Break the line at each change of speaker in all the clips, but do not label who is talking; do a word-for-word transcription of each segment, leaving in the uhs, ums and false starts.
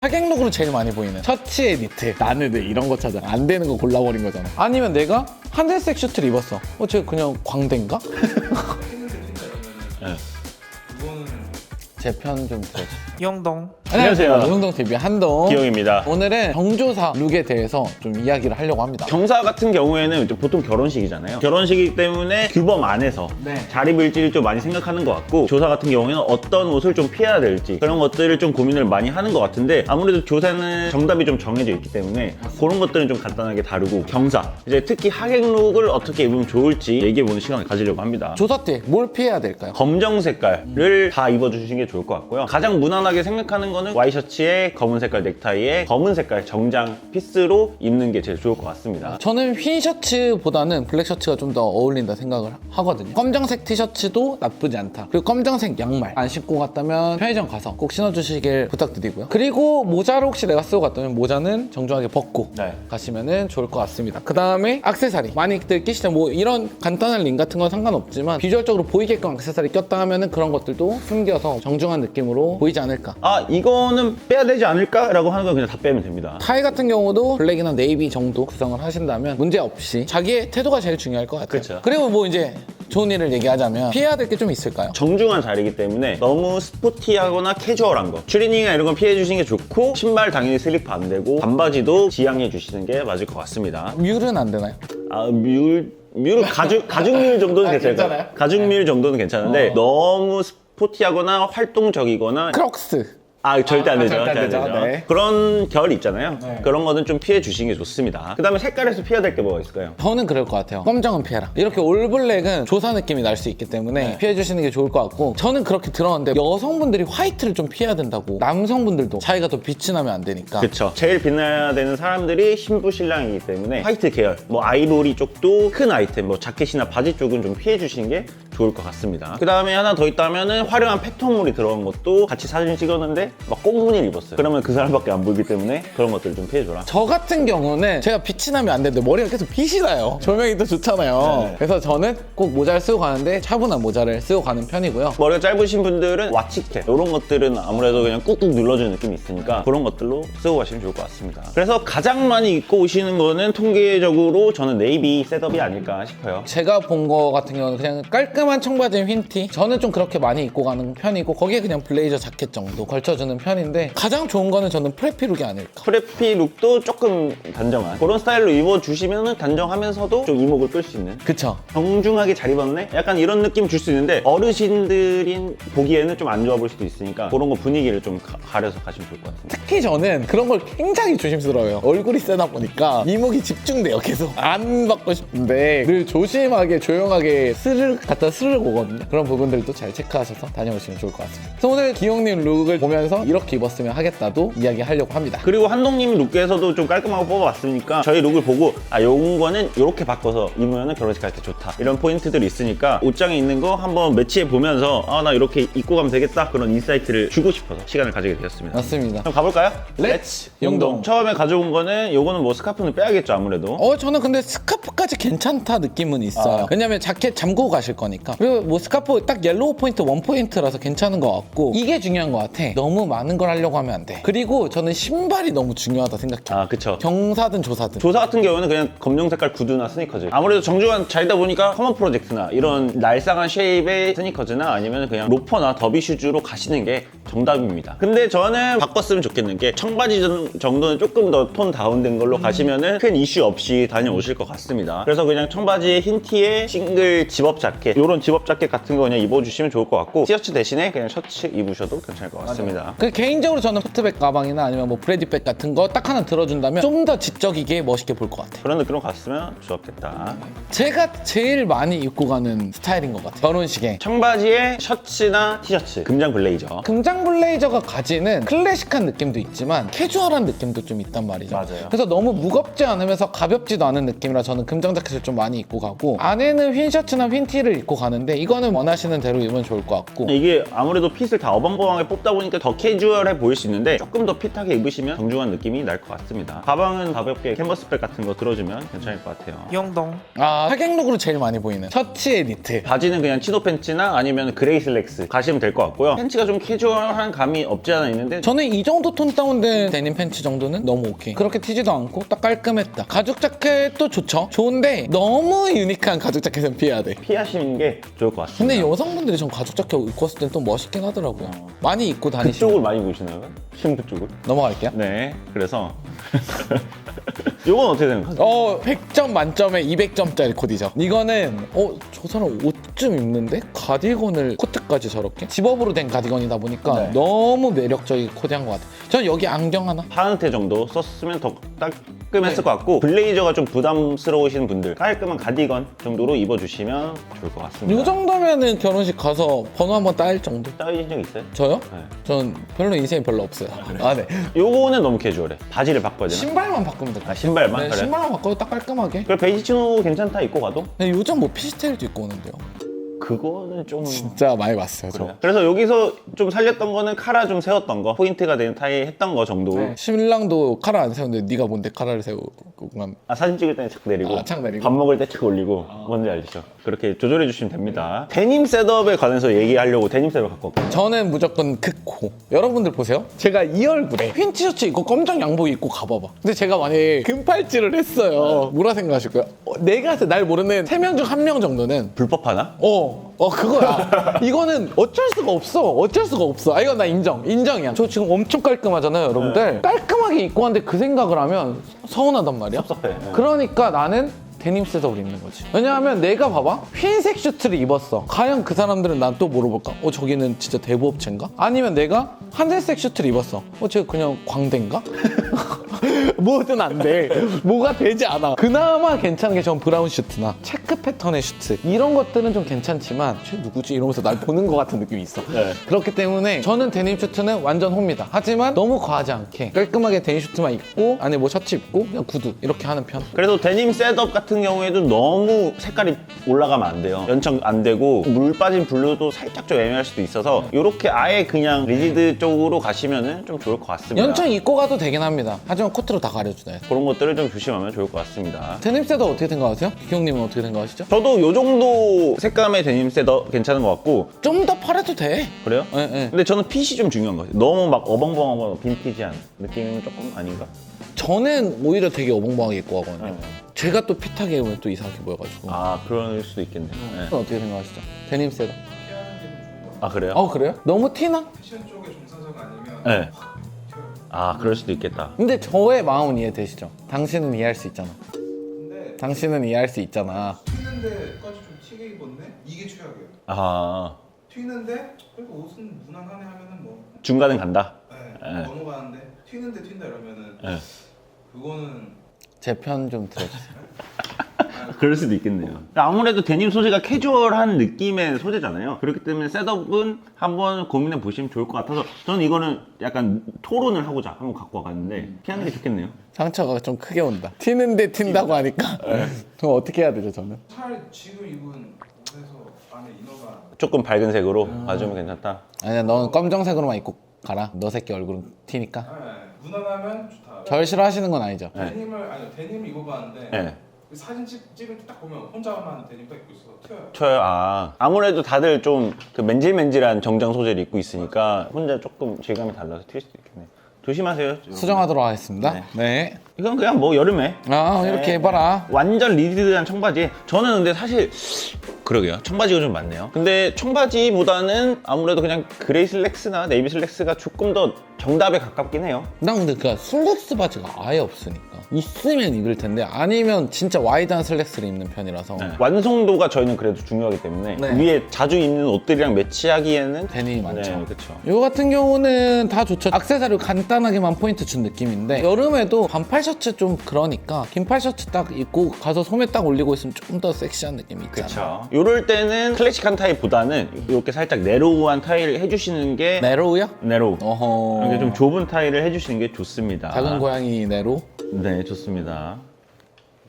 하객룩으로 제일 많이 보이는 셔츠에 니트, 나는 왜 이런 거 찾아. 안 되는 거 골라버린 거잖아. 아니면 내가 하늘색 슈트를 입었어. 어, 쟤 그냥 광대인가?
네.
제 편 좀 들어주세요.
이영동.
안녕하세요.
이영동 티비 한동.
기영입니다.
오늘은 경조사 룩에 대해서 좀 이야기를 하려고 합니다.
경사 같은 경우에는 보통 결혼식이잖아요. 결혼식이기 때문에 규범 안에서
네.
잘 입을지를 좀 많이 생각하는 것 같고, 조사 같은 경우에는 어떤 옷을 좀 피해야 될지 그런 것들을 좀 고민을 많이 하는 것 같은데, 아무래도 조사는 정답이 좀 정해져 있기 때문에 그런 것들은 좀 간단하게 다루고, 경사, 이제 특히 하객룩을 어떻게 입으면 좋을지 얘기해보는 시간을 가지려고 합니다.
조사 때 뭘 피해야 될까요?
검정 색깔을 다 입어주시는 게 좋을 것 같고요. 가장 무난하게 생각하는 거는 와이셔츠에 검은 색깔 넥타이에 검은 색깔 정장 피스로 입는 게 제일 좋을 것 같습니다.
저는 흰 셔츠보다는 블랙 셔츠가 좀 더 어울린다 생각을 하거든요. 검정색 티셔츠도 나쁘지 않다. 그리고 검정색 양말 안 신고 갔다면 편의점 가서 꼭 신어주시길 부탁드리고요. 그리고 모자를 혹시 내가 쓰고 갔다면 모자는 정중하게 벗고
네.
가시면 좋을 것 같습니다. 그 다음에 액세서리 많이들 끼시죠. 뭐 이런 간단한 링 같은 건 상관없지만 비주얼적으로 보이게끔 액세서리 꼈다 하면은 그런 것들도 숨겨서 정중한 느낌으로 보이지 않을까.
아, 이거는 빼야 되지 않을까? 라고 하는 건 그냥 다 빼면 됩니다.
타이 같은 경우도 블랙이나 네이비 정도 구성을 하신다면 문제 없이 자기의 태도가 제일 중요할 것 같아요.
그쵸.
그리고 뭐 이제 좋은 일을 얘기하자면 피해야 될 게 좀 있을까요?
정중한 자리이기 때문에 너무 스포티하거나 캐주얼한 거, 추리닝이나 이런 건 피해 주시는 게 좋고, 신발 당연히 슬리퍼 안 되고 반바지도 지양해 주시는 게 맞을 것 같습니다.
뮬은 안 되나요?
아, 뮬 뮬 가죽 가죽뮬 정도는
아,
괜찮아요.
괜찮아요?
가죽뮬 정도는 괜찮은데
어.
너무 스포티하거나 활동적이거나
크록스.
아, 절대 안
아,
되죠.
절대 안
절대 안
되죠.
되죠.
네.
그런 결 있잖아요.
네.
그런 거는 좀 피해 주시는 게 좋습니다. 그 다음에 색깔에서 피해야 될 게 뭐가 있을까요?
저는 그럴 것 같아요. 검정은 피해라. 이렇게 올블랙은 조사 느낌이 날 수 있기 때문에
네.
피해 주시는 게 좋을 것 같고, 저는 그렇게 들었는데 여성분들이 화이트를 좀 피해야 된다고. 남성분들도 자기가 더 빛이 나면 안 되니까.
그쵸. 제일 빛나야 되는 사람들이 신부 신랑이기 때문에 화이트 계열, 뭐 아이보리 쪽도 큰 아이템, 뭐 자켓이나 바지 쪽은 좀 피해 주시는 게 좋을 것 같습니다. 그 다음에 하나 더 있다면은 화려한 패턴물이 들어간 것도 같이 사진 찍었는데 막 꽁무니를 입었어요. 그러면 그 사람밖에 안 보이기 때문에 그런 것들 좀 피해줘라.
저 같은 경우는 제가 빛이 나면 안 되는데 머리가 계속 빛이 나요. 조명이 또 좋잖아요.
네.
그래서 저는 꼭 모자를 쓰고 가는데 차분한 모자를 쓰고 가는 편이고요.
머리가 짧으신 분들은 와치캡 이런 것들은 아무래도 그냥 꾹꾹 눌러주는 느낌이 있으니까 그런 것들로 쓰고 가시면 좋을 것 같습니다. 그래서 가장 많이 입고 오시는 거는 통계적으로 저는 네이비 셋업이 아닐까 싶어요.
제가 본 거 같은 경우는 그냥 깔끔한 청바지에 흰티, 저는 좀 그렇게 많이 입고 가는 편이고 거기에 그냥 블레이저 자켓 정도 걸쳐주는 편인데, 가장 좋은 거는 저는 프레피 룩이 아닐까.
프레피 룩도 조금 단정한 그런 스타일로 입어주시면 단정하면서도 좀 이목을 끌 수 있는,
그쵸?
정중하게 잘 입었네? 약간 이런 느낌 줄 수 있는데 어르신들인 보기에는 좀 안 좋아 보일 수도 있으니까 그런 거 분위기를 좀 가, 가려서 가시면 좋을 것 같습니다.
특히 저는 그런 걸 굉장히 조심스러워요. 얼굴이 세다 보니까 이목이 집중돼요. 계속 안 받고 싶은데 늘 조심하게 조용하게 스르륵 갖다 스르륵 오거든요. 그런 부분들도 잘 체크하셔서 다녀오시면 좋을 것 같습니다. 그래서 오늘 기용님 룩을 보면서 이렇게 입었으면 하겠다도 이야기하려고 합니다.
그리고 한동님 룩에서도 좀 깔끔하고 뽑아봤으니까 저희 룩을 보고 아, 요런 거는 이렇게 바꿔서 입으면 결혼식 갈 때 좋다, 이런 포인트들이 있으니까 옷장에 있는 거 한번 매치해 보면서 아, 나 이렇게 입고 가면 되겠다, 그런 인사이트를 주고 싶어서 시간을 가지게 되었습니다.
맞습니다.
그럼 가볼까요?
렛츠 용동.
처음에 가져온 거는 요거는 뭐 스카프는 빼야겠죠, 아무래도.
어 저는 근데 스카프까지 괜찮다 느낌은 있어요.
아.
왜냐면 자켓 잠그고 가실 거니까. 그리고 뭐 스카프 딱 옐로우 포인트 원 포인트라서 괜찮은 것 같고, 이게 중요한 것 같아. 너무 많은 걸 하려고 하면 안 돼. 그리고 저는 신발이 너무 중요하다 생각해요.
아, 그쵸.
경사든 조사든.
조사 같은 경우는 그냥 검정 색깔 구두나 스니커즈, 아무래도 정중한 자리다 보니까 커먼 프로젝트나 이런 날상한 쉐입의 스니커즈나 아니면 그냥 로퍼나 더비 슈즈로 가시는 게 정답입니다. 근데 저는 바꿨으면 좋겠는 게 청바지 정- 정도는 조금 더 톤 다운된 걸로 가시면은 큰 이슈 없이 다녀오실 것 같습니다. 그래서 그냥 청바지에 흰 티에 싱글 집업 자켓, 이런 집업 자켓 같은 거 그냥 입어주시면 좋을 것 같고, 티셔츠 대신에 그냥 셔츠 입으셔도 괜찮을 것 같습니다.
그 개인적으로 저는 토트백 가방이나 아니면 뭐 브래디백 같은 거 딱 하나 들어준다면 좀 더 지적이게 멋있게 볼 것 같아요.
그런 느낌으로 갔으면 좋았겠다.
제가 제일 많이 입고 가는 스타일인 것 같아요. 결혼식에.
청바지에 셔츠나 티셔츠, 금장 블레이저.
금장 블레이저가 가지는 클래식한 느낌도 있지만 캐주얼한 느낌도 좀 있단 말이죠.
맞아요.
그래서 너무 무겁지 않으면서 가볍지도 않은 느낌이라 저는 금장 자켓을 좀 많이 입고 가고, 안에는 흰 셔츠나 흰 티를 입고 가는데 이거는 원하시는 대로 입으면 좋을 것 같고.
이게 아무래도 핏을 다 어벙벙하게 뽑다 보니까 더 캐주얼해 보일 수 있는데 조금 더 핏하게 입으시면 정중한 느낌이 날 것 같습니다. 가방은 가볍게 캔버스백 같은 거 들어주면 괜찮을 것 같아요.
이영동.
아, 하객룩으로 제일 많이 보이는 셔츠에 니트.
바지는 그냥 치노 팬츠나 아니면 그레이 슬랙스 가시면 될 것 같고요. 팬츠가 좀 캐주얼 다운한 감이 없지 않아 있는데
저는 이 정도 톤 다운된 데님 팬츠 정도는 너무 오케이. 그렇게 튀지도 않고 딱 깔끔했다. 가죽 자켓도 좋죠. 좋은데 너무 유니크한 가죽 자켓은 피해야 돼.
피하시는 게 좋을 것 같습니다.
근데 여성분들이 전 가죽 자켓 입고 왔을 땐 또 멋있긴 하더라고요. 많이 입고 다니시고.
그쪽을 많이 보시나요? 신부 쪽을?
넘어갈게요.
네, 그래서 요건 어떻게 생각하세요?
어, 백 점 만점에 이백 점짜리 코디죠. 이거는 어, 저 사람 옷 좀 입는데? 가디건을 코트까지 저렇게? 집업으로 된 가디건이다 보니까
네.
너무 매력적인 코디한 것 같아요. 저는 여기 안경 하나?
파운테 정도 썼으면 더 깔끔했을 것 같고 블레이저가 좀 부담스러우신 분들 깔끔한 가디건 정도로 입어주시면 좋을 것 같습니다.
이 정도면은 결혼식 가서 번호 한번 따일 정도?
따위신 적 있어요?
저요?
네.
전 별로 인생이 별로 없어요. 아, 네.
요거는 너무 캐주얼해. 바지를 바꿔야 되나?
신발만 바꾸면 될 것
아,
같아요.
신발만?
네,
그래?
신발만 바꿔도 딱 깔끔하게.
그래 베이지 치노 괜찮다 입고 가도?
근데 요즘 뭐 피시테일도 입고 오는데요.
그거는 좀
진짜 많이 봤어요, 저.
그래요. 그래서 여기서 좀 살렸던 거는 카라 좀 세웠던 거 포인트가 되는 타이 했던 거 정도.
네. 신랑도 카라 안 세우는데 네가 뭔데 카라를 세우고 간
아, 사진 찍을 때는 착 내리고,
아, 착 내리고?
밥 먹을 때 착 올리고 뭔지 알죠? 그렇게 조절해 주시면 됩니다. 데님 셋업에 관해서 얘기하려고 데님 셋업 갖고 왔거든요.
저는 무조건 극호. 여러분들 보세요. 제가 이 얼굴에 흰 티셔츠 입고 검정 양복 입고 가봐봐. 근데 제가 만약에 금팔찌를 했어요. 뭐라 생각하실 거예요? 어, 내가 날 모르는 세 명 중 한 명 정도는
불법 하나?
어, 어 그거야. 이거는 어쩔 수가 없어. 어쩔 수가 없어. 아 이건 나 인정. 인정이야. 저 지금 엄청 깔끔하잖아요, 여러분들. 깔끔하게 입고 왔는데 그 생각을 하면 서운하단 말이야.
섭섭해. 네.
그러니까 나는 데님 셋업을 입는 거지. 왜냐하면 내가 봐봐. 흰색 슈트를 입었어. 과연 그 사람들은 난 또 물어볼까? 어 저기는 진짜 대부업체인가? 아니면 내가 하늘색 슈트를 입었어. 어 쟤 그냥 광대인가? 뭐든 안 돼. 뭐가 되지 않아. 그나마 괜찮은 게 전 브라운 슈트나 체크 패턴의 슈트 이런 것들은 좀 괜찮지만 쟤 누구지? 이러면서 날 보는 것 같은 느낌이 있어.
네.
그렇기 때문에 저는 데님 슈트는 완전 홈입니다. 하지만 너무 과하지 않게 깔끔하게 데님 슈트만 입고 안에 뭐 셔츠 입고 그냥 구두 이렇게 하는 편.
그래서 데님 셋업 같은 경우에도 너무 색깔이 올라가면 안 돼요. 연청 안 되고 물 빠진 블루도 살짝 좀 애매할 수도 있어서 이렇게 아예 그냥 리지드 쪽으로 가시면은 좀 좋을 것 같습니다.
연청 입고 가도 되긴 합니다. 하지만 코트로 다 가려주나요?
그런 것들을 좀 조심하면 좋을 것 같습니다.
데님 셋업 어떻게 생각하세요? 기용님은 어떻게 생각하시죠?
저도 요 정도 색감의 데님 셋업 괜찮은 것 같고
좀 더 팔아도 돼.
그래요?
예, 예.
근데 저는 핏이 좀 중요한 것 같아요. 너무 막 어벙벙하고 빈티지한 느낌은 조금 아닌가?
저는 오히려 되게 어벙벙하게 입고 가거든요.
네.
제가 또 핏하게 입으면 또 이상하게 보여가지고.
아 그럴 수도 있겠네요. 네.
어떻게 생각하시죠? 데님 셋업.
아 그래요?
어 그래요? 너무 티나?
패션 쪽에 종사자가 아니면
네. 아 그럴 수도 있겠다.
근데 저의 마음은 이해되시죠? 당신은 이해할 수 있잖아.
근데
당신은 이해할 수 있잖아.
튀는데까지 좀 튀게 입었네? 이게 최악이에요.
아
튀는데 그래도 옷은 무난하네 하면은 뭐
중간은 간다.
네,
네.
넘어가는데 튀는데 튄다 이러면은
네.
그거는
제 편 좀 들어주세요.
그럴 수도 있겠네요. 아무래도 데님 소재가 캐주얼한 느낌의 소재잖아요. 그렇기 때문에 셋업은 한번 고민해 보시면 좋을 것 같아서 저는 이거는 약간 토론을 하고자 한번 갖고 와봤는데 피하는 게 좋겠네요.
상처가 좀 크게 온다. 튀는데 튄다고 하니까 그럼 어떻게 해야 되죠 저는?
차라리 지금 입은 옷에서 안에 이너가
조금 밝은 색으로 봐주면 괜찮다.
아니야 넌 검정색으로만 입고 가라. 너 새끼 얼굴은 튀니까.
네, 무난하면 좋다.
절 싫어하시는 건 아니죠?
네.
데님을 아니 데님 입어봤는데
네.
그 사진 찍, 찍을 때 딱 보면 혼자만 데님 딱 입고 있어 튀어요.
쳐요. 아 아무래도 다들 좀 그 맨질맨질한 정장 소재를 입고 있으니까 혼자 조금 질감이 달라서 튈 수도 있겠네요. 조심하세요.
수정하도록 하겠습니다. 네.
이건 그냥 뭐 여름에
아 이렇게
네.
해봐라.
완전 리디드한 청바지. 저는 근데 사실 그러게요. 청바지가 좀 많네요. 근데 청바지보다는 아무래도 그냥 그레이 슬랙스나 네이비 슬랙스가 조금 더 정답에 가깝긴 해요.
난 근데 그 슬랙스 바지가 아예 없으니까 있으면 입을 텐데 아니면 진짜 와이드한 슬랙스를 입는 편이라서
네. 완성도가 저희는 그래도 중요하기 때문에
네.
위에 자주 입는 옷들이랑 매치하기에는
데님이 많죠.
네, 그렇죠.
이거 같은 경우는 다 좋죠. 액세서리 간단하게만 포인트 준 느낌인데 여름에도 반팔 셔츠 좀 그러니까 긴팔 셔츠 딱 입고 가서 소매 딱 올리고 있으면 좀 더 섹시한 느낌이 있잖아.
그렇죠. 이럴 때는 클래식한 타입보다는 이렇게 살짝 네로우한 타일을 해주시는 게
네로우요?
네로우.
어허.
이렇게 좀 좁은 타일을 해주시는 게 좋습니다.
작은 고양이 네로.
네, 좋습니다.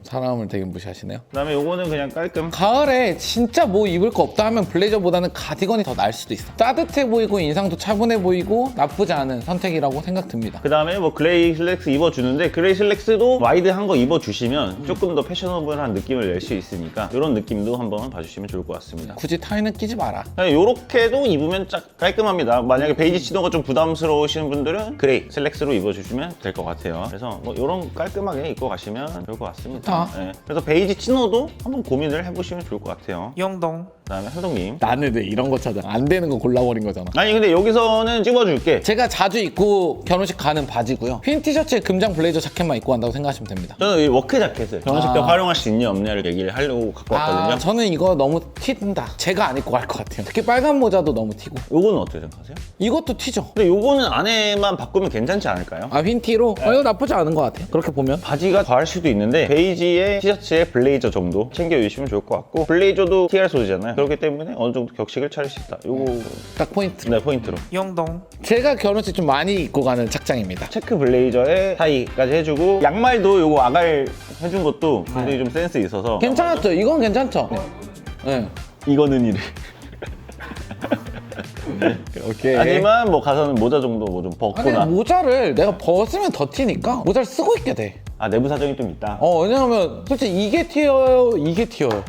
사람을 되게 무시하시네요.
그다음에 요거는 그냥 깔끔.
가을에 진짜 뭐 입을 거 없다 하면 블레이저보다는 가디건이 더 나을 수도 있어. 따뜻해 보이고 인상도 차분해 보이고 나쁘지 않은 선택이라고 생각 듭니다.
그 다음에 뭐 그레이 슬랙스 입어주는데 그레이 슬랙스도 와이드한 거 입어주시면 조금 더 패셔너블한 느낌을 낼 수 있으니까 이런 느낌도 한번 봐주시면 좋을 것 같습니다.
굳이 타이는 끼지 마라.
이렇게도 입으면 딱 깔끔합니다. 만약에 베이지 치노가 좀 부담스러우시는 분들은 그레이 슬랙스로 입어주시면 될 것 같아요. 그래서 뭐 이런 깔끔하게 입고 가시면 좋을 것 같습니다. 네. 그래서 베이지 치노도 한번 고민을 해보시면 좋을 것 같아요.
영동.
그다음에 한동님.
나는 왜 이런 거 찾아? 안 되는 거 골라버린 거잖아.
아니 근데 여기서는 찍어줄게.
제가 자주 입고 결혼식 가는 바지고요. 흰 티셔츠에 금장 블레이저 자켓만 입고 간다고 생각하시면 됩니다.
저는 이 워크 자켓을 결혼식 때
아.
활용할 수 있냐 없냐를 얘기를 하려고 갖고 왔거든요.
아, 저는 이거 너무 튄다. 제가 안 입고 갈 것 같아요. 특히 빨간 모자도 너무 튀고.
요거는 어떻게 생각하세요?
이것도 튀죠.
근데 요거는 안에만 바꾸면 괜찮지 않을까요?
아, 흰 티로? 어, 이거 나쁘지 않은 것 같아요. 그렇게 보면.
바지가 더할 수도 있는데 베이지에 티셔츠에 블레이저 정도 챙겨주시면 좋을 것 같고 블레이저도 티알 소재잖아요. 그렇기 때문에 어느 정도 격식을 차릴 수 있다. 요거
딱 포인트.
네 포인트로.
영동.
제가 결혼식 좀 많이 입고 가는 착장입니다.
체크 블레이저에 타이까지 해주고 양말도 요거 아갈 해준 것도 굉장히 좀 센스 있어서
괜찮았죠? 이건 괜찮죠? 네.
이거는 이래.
오케이.
하지만 뭐 가서는 모자 정도 뭐 좀
아니,
벗거나
모자를 내가 벗으면 더 튀니까 모자를 쓰고 있게 돼.
아 내부 사정이 좀 있다.
어, 왜냐면 솔직히 이게 튀어요, 이게 튀어요.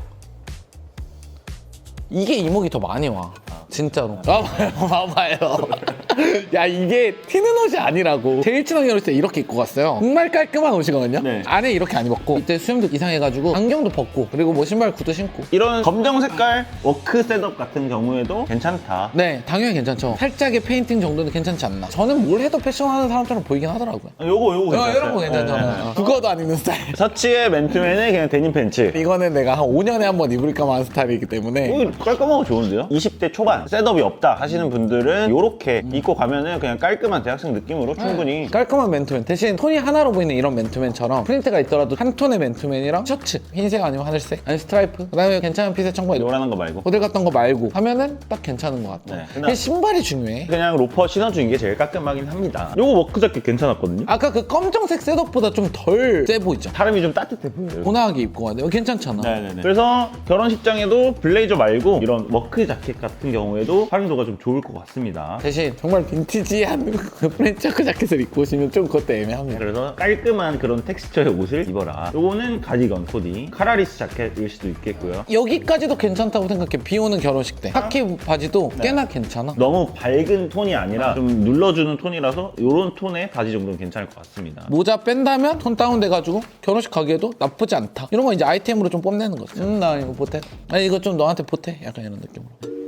이게 이목이 더 많이 와. 진짜로. 와봐요, 와봐요. 야, 이게 튀는 옷이 아니라고. 제일 친한 결혼식 때 이렇게 입고 갔어요. 정말 깔끔한 옷이거든요.
네.
안에 이렇게 안 입었고, 이때 수염도 이상해가지고 안경도 벗고, 그리고 뭐 신발 구두 신고.
이런 검정 색깔 워크 셋업 같은 경우에도 괜찮다.
네, 당연히 괜찮죠. 살짝의 페인팅 정도는 괜찮지 않나. 저는 뭘 해도 패션하는 사람처럼 보이긴 하더라고요.
요거 요거
어,
괜찮아요.
이런 거 괜찮잖아요. 어. 그거도 안 입는 스타일.
서치의 맨투맨은 그냥 데님 팬츠.
이거는 내가 한 오 년에 한 번 입을까 말한 스타일이기 때문에.
오, 깔끔하고 좋은데요? 이십 대 초반 셋업이 없다 하시는 분들은 이렇게 입고 가면은 그냥 깔끔한 대학생 느낌으로 충분히
깔끔한 맨투맨 대신 톤이 하나로 보이는 이런 맨투맨처럼 프린트가 있더라도 한 톤의 맨투맨이랑 셔츠 흰색 아니면 하늘색 아니면 스트라이프 그다음에 괜찮은 핏의 청바지
노란한 거 말고
모델 같던 거 말고 하면은 딱 괜찮은 것 같아.
네.
근데 신발이 중요해.
그냥 로퍼 신어주는 게 제일 깔끔하긴 합니다. 요거 워크 자켓 괜찮았거든요?
아까 그 검정색 셋업보다 좀 덜 세 보이죠?
사람이 좀 따뜻해 보여요.
고나하게 입고 가야 돼. 괜찮잖아.
네네네. 그래서 결혼식장에도 블레이저 말고 이런 워크 자켓 같은 경우에도 활용도가 좀 좋을 것 같습니다.
대신 정말 빈티지한 그 프렌치 체크 자켓을 입고 오시면 좀 그것도 애매합니다.
그래서 깔끔한 그런 텍스처의 옷을 입어라. 요거는 가디건 코디, 카라리스 자켓일 수도 있겠고요.
여기까지도 괜찮다고 생각해. 비 오는 결혼식 때 카키 바지도 꽤나 괜찮아.
너무 밝은 톤이 아니라 좀 눌러주는 톤이라서 요런 톤의 바지 정도는 괜찮을 것 같습니다.
모자 뺀다면 톤 다운돼가지고 결혼식 가기에도 나쁘지 않다. 이런 거 이제 아이템으로 좀 뽐내는 거죠. 음, 나 이거 보태. 아니 이거 좀 너한테 보태. 약간 이런 느낌으로.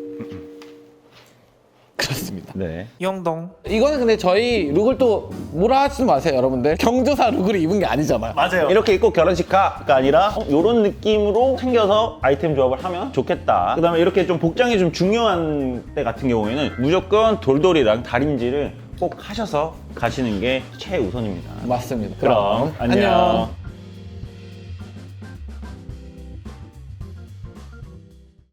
그렇습니다.
네.
영동.
이거는 근데 저희 룩을 또 뭐라 하지 마세요, 여러분들. 경조사 룩을 입은 게 아니잖아요.
맞아요. 이렇게 입고 결혼식 가가 아니라 어, 이런 느낌으로 챙겨서 아이템 조합을 하면 좋겠다. 그다음에 이렇게 좀 복장이 좀 중요한 때 같은 경우에는 무조건 돌돌이랑 다림질을 꼭 하셔서 가시는 게 최우선입니다.
맞습니다.
그럼 안녕.